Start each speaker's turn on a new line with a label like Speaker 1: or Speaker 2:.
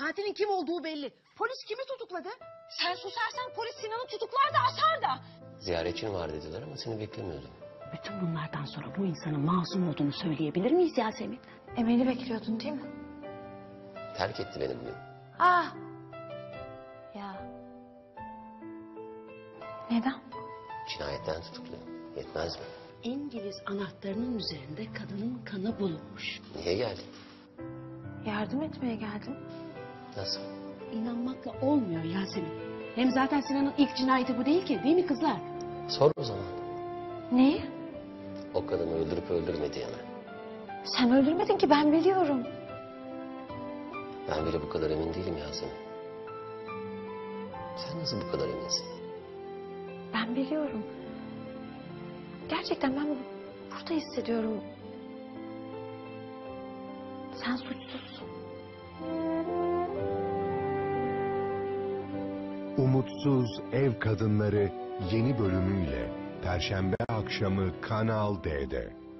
Speaker 1: Katilin kim olduğu belli. Polis kimi tutukladı? Sen susarsan polis Sinan'ı tutuklar da asar da.
Speaker 2: Ziyaretçin var dediler ama seni beklemiyordum.
Speaker 1: Bütün bunlardan sonra bu insanın masum olduğunu söyleyebilir miyiz Yasemin?
Speaker 3: Emel'i bekliyordun değil mi?
Speaker 2: Terk etti beni bugün.
Speaker 3: Ah! Ya. Neden?
Speaker 2: Cinayetten tutukluyor. Yetmez mi?
Speaker 1: İngiliz anahtarının üzerinde kadının kanı bulunmuş.
Speaker 2: Niye geldin?
Speaker 3: Yardım etmeye geldim.
Speaker 2: Nasıl?
Speaker 1: İnanmakla olmuyor Yasemin. Hem zaten Sinan'ın ilk cinayeti bu değil ki, değil mi kızlar?
Speaker 2: Sor o zaman.
Speaker 3: Neyi?
Speaker 2: O kadını öldürüp öldürmediğini.
Speaker 3: Sen öldürmedin ki, ben biliyorum.
Speaker 2: Ben bile bu kadar emin değilim Yasemin. Sen nasıl bu kadar eminsin?
Speaker 3: Ben biliyorum. Gerçekten ben burada hissediyorum. Sen suçsuzsun.
Speaker 4: Umutsuz Ev Kadınları yeni bölümüyle Perşembe akşamı Kanal D'de.